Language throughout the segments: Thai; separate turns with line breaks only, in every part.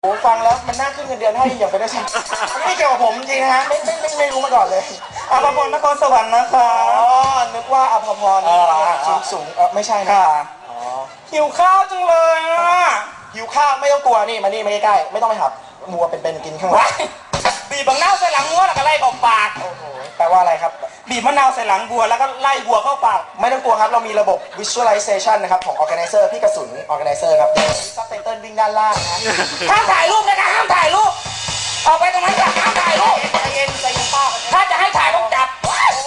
โอ้ฟังแล้วมันน่าขึ้นเงินเดือนให้อย่างเป็นได้ใช่ไม่เกี่ยวกับผมจริงนะฮะไม่รู้มาก่อนเลย
อภพรนครสวรรค์นะคะ
อ๋อนึกว่าอภพรสูงไม่ใช่นะ
หิวข้าวจังเลยอ่ะ
หิวข้าวไม่ต้องกลัวนี่มานี่มาใกล้ๆไม่ต้องไปหับมัวเป็นกินข้างหลัง
บีบมะนาวใส่หลังวัวแล้วก็ไล่ออกปาก
โอ้โหแปลว่าอะไรครับ
บีบมะนาวใส่หลังวัวแล้วก็ไล่วัวเข้าปาก
ไม่ต้องกลัวครับเรามีระบบ visualization นะครับของ organizer พี่กระสุน organizer ครับซับไตเติลวิ่งด้านล่างนะ
ห้ามถ่ายรูปนะคะห้ามถ่ายรูปออกไปตรงนั้นค่ะห้ามถ่ายรูป
ใจเย็นป้า
ถ้าจะให้ถ่ายต้องจับ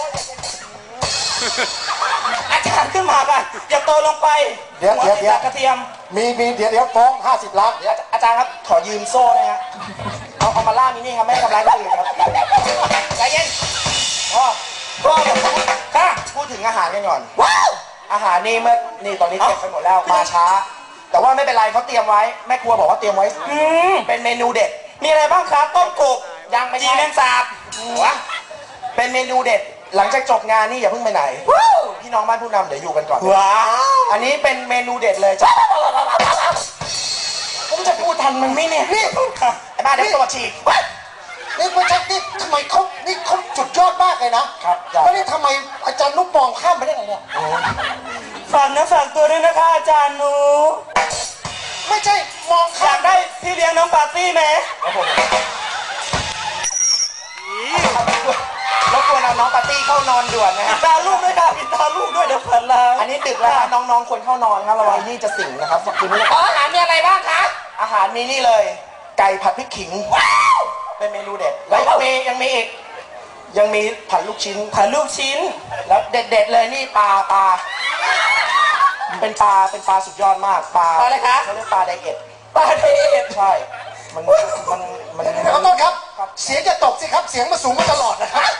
อาจารย์ขึ้นมากันอย่าโตลงไป
เดี๋ยว
กระเทียม
มีเดี๋ยวฟ้อง50 ล้านอาจารย์ครับขอยืมโซ่นะฮะเอามาล่ามินี่ครับไม่ทำร้ายคนอื่นครับใจเย็นพ่อค่ะพูดถึงอาหารกันก่อนอาหารนี่นี่ตอนนี้เก็บไปหมดแล้วมาช้าแต่ว่าไม่เป็นไรเขาเตรียมไว้แม่ครัวบอกว่าเตรียมไว้เป็นเมนูเด็ด
มีอะไรบ้างคะต้มกบ
ยังไม่
จีแมงสาบ
เป็นเมนูเด็ดหลังจากจบงานนี่อย่าเพิ่งไปไหนพี่น้องบ้านผู้นำเดี๋ยวอยู่กันก่อน
ว้าว
อันนี้เป็นเมนูเด็ดเลยจ้ะผมจะพูดทันมันไหมเนี่ยนี่ไอ้บ้าเด็กตัวฉีก
นี่ไม่ใช่นี่ทำไมนี่เขาสุดยอดมากเลยนะครับแล้วนี่ทำไมอาจารย์นุ๊กมองข้ามไปได้ไงเนี่ย
ฝากนะฝากตัวด้วยนะคะอาจารย์นุ๊ก
ไม่ใช่มอง
อยากได้พี่เลี้ยงน้องปาร์ตี้ไหม
แล้วควรเอาน้องปาร์ตี้เข้านอนด่วนนะฮะ
ตาลูกด้วยค่ะปิดตาลูกด้วยเดี๋ยวฝันร้าย
อันนี้ดึกแล้วน้องๆควรเข้านอนครับระวังนี่จะสิงนะครับคืนนี้
อาหารมีอะไรบ้างคะ
อาหารมีนี่เลยไก่ผัดพริกขิงเป็นเมนูเด็ดแล้วยังมีอีกยังมีผัดลูกชิ้นแล้วเด็ดเลยนี่ปลาเป็นปลาสุดยอดมากปลา
อะไรคะ
เขาเรียกปลาไดเอทใช่มัน
ขอโทษครับเสียงจะตกสิครับเสียงมาสูงมาตลอดนะครับ